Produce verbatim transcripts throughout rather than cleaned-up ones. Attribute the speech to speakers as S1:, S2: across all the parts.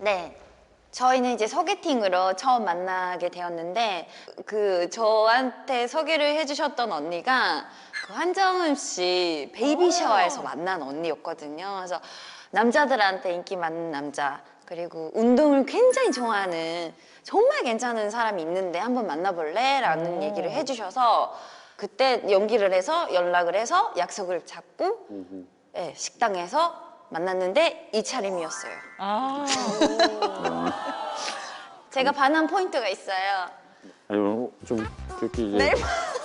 S1: 네. 저희는 이제 소개팅으로 처음 만나게 되었는데 그 저한테 소개를 해주셨던 언니가 그 한정음 씨 베이비 샤워에서 만난 언니였거든요. 그래서 남자들한테 인기 많은 남자 그리고 운동을 굉장히 좋아하는 정말 괜찮은 사람이 있는데 한번 만나볼래? 라는 얘기를 해주셔서 그때 연기를 해서 연락을 해서 약속을 잡고 네, 식당에서 만났는데 이 차림이었어요.
S2: 아.
S1: 제가 반한 포인트가 있어요.
S3: 아니 좀 그렇게 이제
S1: 네.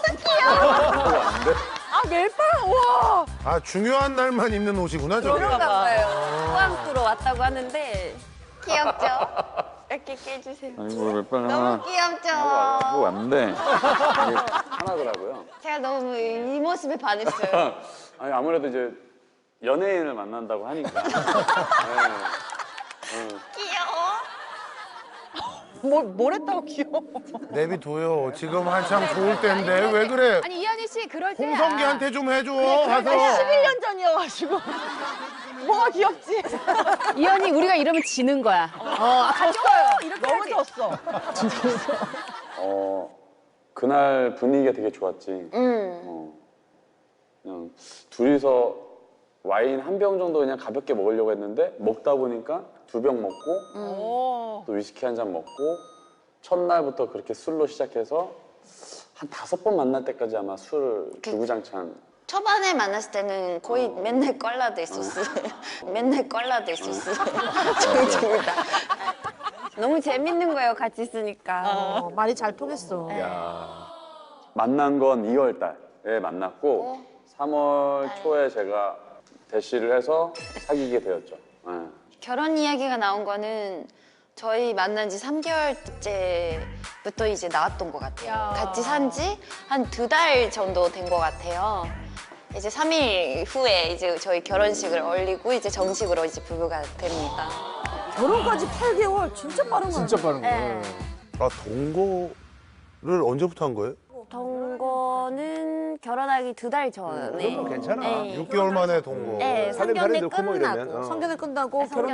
S2: 아, 멜빵! 와!
S4: 아, 중요한 날만 입는 옷이구나, 저게.
S1: 그런가 봐요. 포항으로 왔다고 하는데 귀엽죠? 이렇게 깨주세요.
S3: 아니 뭐 몇 번 하나
S1: 너무 귀엽죠?
S3: 하고 왔는데 하나더라고요.
S1: 제가 너무 이 모습에 반했어요.
S3: 아니 아무래도 이제 연예인을 만난다고 하니까. 네.
S1: 귀여워.
S2: 뭘, 뭘 했다고 귀여워.
S4: 내비둬요. 지금 한참 좋을 때인데 왜 그래?
S5: 아니 이한희 씨 그럴 때
S4: 홍성기한테 좀 해줘,
S2: 아니,
S4: 가서.
S2: 십일 년 전이어가지고. 뭐가 귀엽지?
S5: 아, 이한희 우리가 이러면 지는 거야.
S2: 어, 졌어요. 이렇게 너무 졌어.
S3: 어 그날 분위기가 되게 좋았지.
S1: 음.
S3: 어, 그냥 둘이서 와인 한 병 정도 그냥 가볍게 먹으려고 했는데 먹다 보니까 두 병 먹고
S2: 오.
S3: 또 위스키 한 잔 먹고 첫날부터 그렇게 술로 시작해서 한 다섯 번 만날 때까지 아마 술 주구장창.
S1: 초반에 만났을 때는 거의 맨날 껄라도 있었어요. 맨날 껄라도 있었어요. 저희 둘 다. 너무 재밌는 거예요, 같이 있으니까.
S2: 어, 많이 잘 통했어.
S3: 만난 건 이월 달에 만났고 삼월 초에 제가 대시를 해서 사귀게 되었죠. 네.
S1: 결혼 이야기가 나온 거는 저희 만난 지 삼 개월째부터 이제 나왔던 것 같아요.
S5: 야.
S1: 같이 산 지 한 두 달 정도 된 것 같아요. 이제 삼 일 후에 이제 저희 결혼식을 올리고 이제 정식으로 이제 부부가 됩니다.
S2: 결혼까지 팔 개월. 진짜 빠른 거야.
S4: 진짜 빠른 거야.
S1: 네.
S4: 아, 동거를 언제부터 한 거예요?
S1: 동거는 결혼하기 두 달 전에.
S6: 그럼 괜찮아.
S1: 네.
S4: 육 개월 만에 동거.
S1: 네,
S6: 살림살이
S1: 상견례
S6: 넣고 뭐 이러면,
S1: 끝나고.
S6: 어.
S2: 성견을 끝나고 결혼